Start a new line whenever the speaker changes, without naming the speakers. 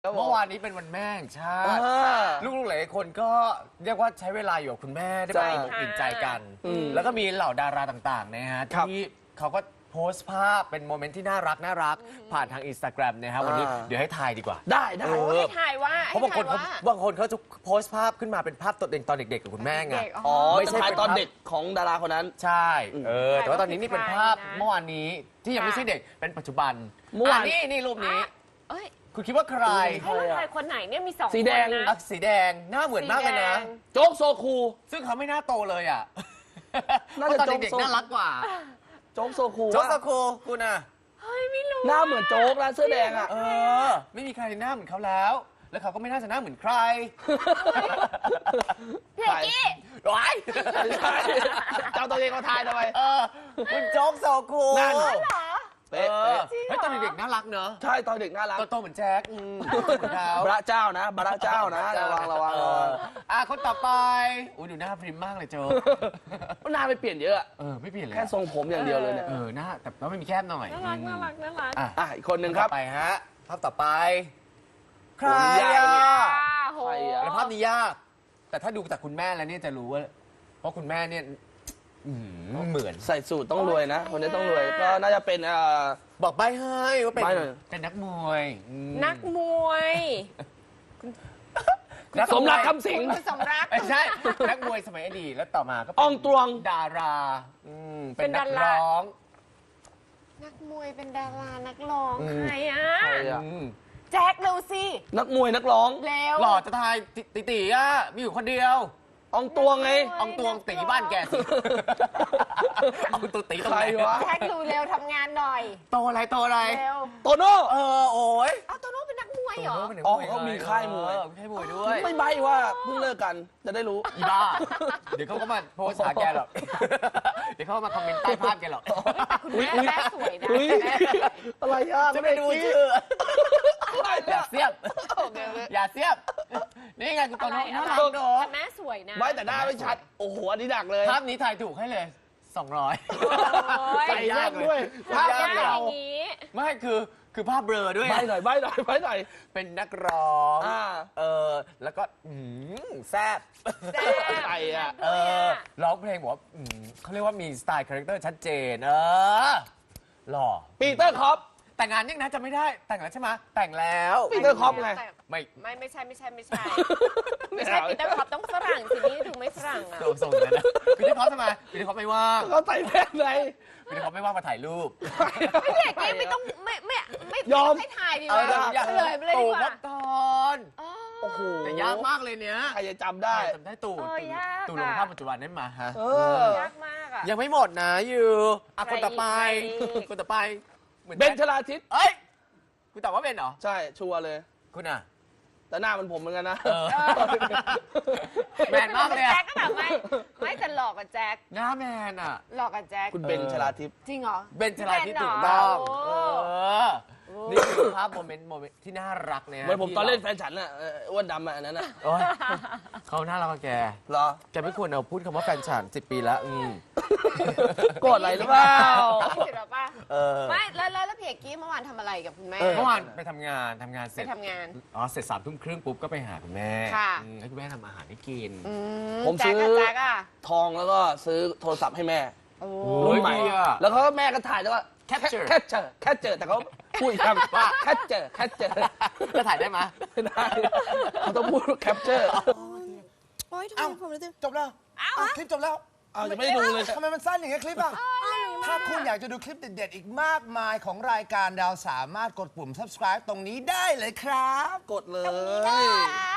เมื่อวานนี้เป็นวันแม่แห่งชาติลูกๆหลายคนก็เรียกว่าใช้เวลาอยู่กับคุณแม่ได้ไปอิ่มใจกันแล้วก็มีเหล่าดาราต่างๆนะฮะที่เขาก็โพสต์ภาพเป็นโมเมนต์ที่น่ารักผ่านทาง Instagram นะฮะวันนี้เดี๋ยวให้ทายดีกว่า
ได้
ให้ทายว่า
เพราะบางคนเขาจะโพสต์ภาพขึ้นมาเป็นภาพตัวเองตอนเด็กๆกับคุณแม่ไง
ไม่ใช่ตอนเด็กของดาราคนนั้น
ใช่แต่ว่าตอนนี้นี่เป็นภาพเมื่อวานนี้ที่ยังไม่ใช่เด็กเป็นปัจจุบันเมื่อวานนี่รูปนี้คุณคิดว่าใคร
คนไหนเนี่ยมี2
สีแดง
สีแดงหน้าเหมือนมากเลยนะ
โจ๊กโซคู
ซึ่งเขาไม่น่าโตเลยอ่ะ
น่าจะ
ตอนเด็กๆน่ารักกว่า
โจ๊กโซคู
คุณอ่ะ
เฮ้ยไม่รู้
หน้าเหมือนโจ๊กนะเสื้อแดงอ่ะ
ไม่มีใครหน้าเหมือนเขาแล้วเขาก็ไม่น่าจะหน้าเหมือนใคร
พี่เอกกี้
ร้าย
เจ้าตัวเองเขาทายทำไม
คุณโจ๊กโซคู
นั่นเหรอ
เฮ้ยตอนเด็กๆน่ารักเนอะ
ใช่ตอนเด็กน่ารัก
โตเหมือนแจ็ค
พระเจ้านะพระเจ้านะระวัง
คนต่อไปดูหน้าพริมมากเลยโจ๊ก
หน้าไม่เปลี่ยนเยอะ
ไม่เปลี่ยนเลย
แค่ทรงผมอย่างเดียวเลยเนี่ย
หน้าแต่ไม่มีแคบหน่อย
น่ารัก
อีกคนหนึ่งครับ
ไปฮะภาพต่อไปใครแล้วภาพนี้ยากแต่ถ้าดูจากคุณแม่แล้วเนี่ยจะรู้ว่าเพราะคุณแม่เนี่ยเหมือน
ใส่สูตรต้องรวยนะคนนี้ต้องรวยก็น่าจะเป็น
บอกใบให้ว่าเป็นนักมวย
สมรักคำสิง
สมรัก
ไม่ใช่นักมวยสมัยอดีตแล้วต่อมาก็
อองตวง
ดาราเป็นนักร้อง
นักมวยเป็นดารานักร้องใครแจ็คเร็วสิ
นักมวยนักร้อง
เร็ว
หล่อจะทายตีมีอยู่คนเดียว
อองตวงไง
อองตวงตีบ้านแกสิอองตวงตีตรงไหน
วะ
แจ็คดูเร็วทำงานหน่อย
โตอะไร
โตโน่
โอ้ย
โตโน่เป็นนักมวยเหรอ
เขามีค่ายมวย
ด้วย
ไม่ใบว่าเพิ่งเลิกกันจะได้รู้
อีบ้าเดี๋ยวเขาก็มาโพสต์หาแกหรอกเดี๋ยวเขามาคอมเมนต์ใต้ภาพแกหรอก
คุณแม่สวยนะ
อะไร
จะไม่ดูชื่ออย่าเสียบนี่ไงคุณโตโน่น่ารักเนอะ
แม่สวยนะ
ไม่แต่หน้าไม่ชัดโอ้โหอันนี้ดักเลย
ภาพนี้ถ่ายถูกให้เลย200
ใส่ยากด้วย
ภาพอย่างนี้
ไม่คือภาพเบลอด้วย
ใบหน่อย
เป็นนักร้องแล้วก็แซ่บ
ใส่
ร้องเพลงบอกว่าเขาเรียกว่ามีสไตล์คาแรคเตอร์ชัดเจนหล่อ
ปีเตอร์คอป
แต่งงานยังนะจะไม่ได้แต่งแล้วใช่ไหมแต่งแล้ว
ปีเตอร์คอปไง
ไม่ใช่ปีเตอร์คอปต้องฝรั่งสินี่ดูไม่ฝรั่งอ่ะ
ส่งเลยนะปีเตอร์คอปทำไมปีเตอร์คอปไม่ว่าง
เขาใส่แว่นไง
ปีเตอร์คอปไม่ว่างมาถ่ายรูป
ไม่เด็กไม่ต้องไม่
ยอม
ให้ถ่ายดีกว่าเลยดีกว่า
ตอน
โอ้โห
แต่ยากมากเลยเนี้ย
ใครจะจำได้
ตู่ลงภาพปัจจุบันนั้นมาฮะ
ยากมากอ่ะ
ยังไม่หมดนะอยู่คนต่อไป
เบนชลาทิศ
คุณตอบว่าเบนเหรอ
ใช่ชัวร์เลย
คุณอ่ะ
แต่หน้ามันผมเหมือนกันนะ
แมนมากเลย
แจ็คก็แบบไม่จะหลอกกับแจ็ค
หน้าแมนอ่ะ
หลอกกับแจ็ค
คุณเบนชลาทิพย์
จริงเหรอ
เบนชลาทิพย์ถูกต้องนี่คือภาพโมเมนต์ที่น่ารักเนี่ย
เหมือนผมตอนเล่นแฟนฉันอ่ะอ้วนดำอ่ะอันนั้นอ่ะ
เขาน่ารักแก
เหรอ
แกไม่ควรเอาพูดคำว่าแฟนฉัน10 ปีแล้ว
โกรธอะไรหรือเปล่า
ไม่แล้วพี่เอกกี้เมื่อวานทำอะไรกับคุณแม่
เมื่อวานไปทำงานเสร็จเสร็จ3 ทุ่มครึ่งปุ๊บก็ไปหาคุณแม่ให้คุณแม่ทำอาหารให้กิน
ผมซื้อทองแล้วก็ซื้อโทรศัพท์ให้แม่รุ่นใหม่แล้วเขาแม่ก็ถ่ายแล้วก็แคปเจอแต่เขาพูดคำว่าแคปเจอ
จะถ่ายได้ไหม
ไม่ได้เขาต้องพูดแคปเจอร์
จบแล้วคลิปจบแล้ว
จะไม่ดูเลย
ทำไมมันสั้นอย่างเงี้ยคลิปอ่ะถ้าคุณอยากจะดูคลิปเด็ดๆอีกมากมายของรายการดาวสามารถกดปุ่ม subscribe ตรงนี้ได้เลยครับ
กดเลย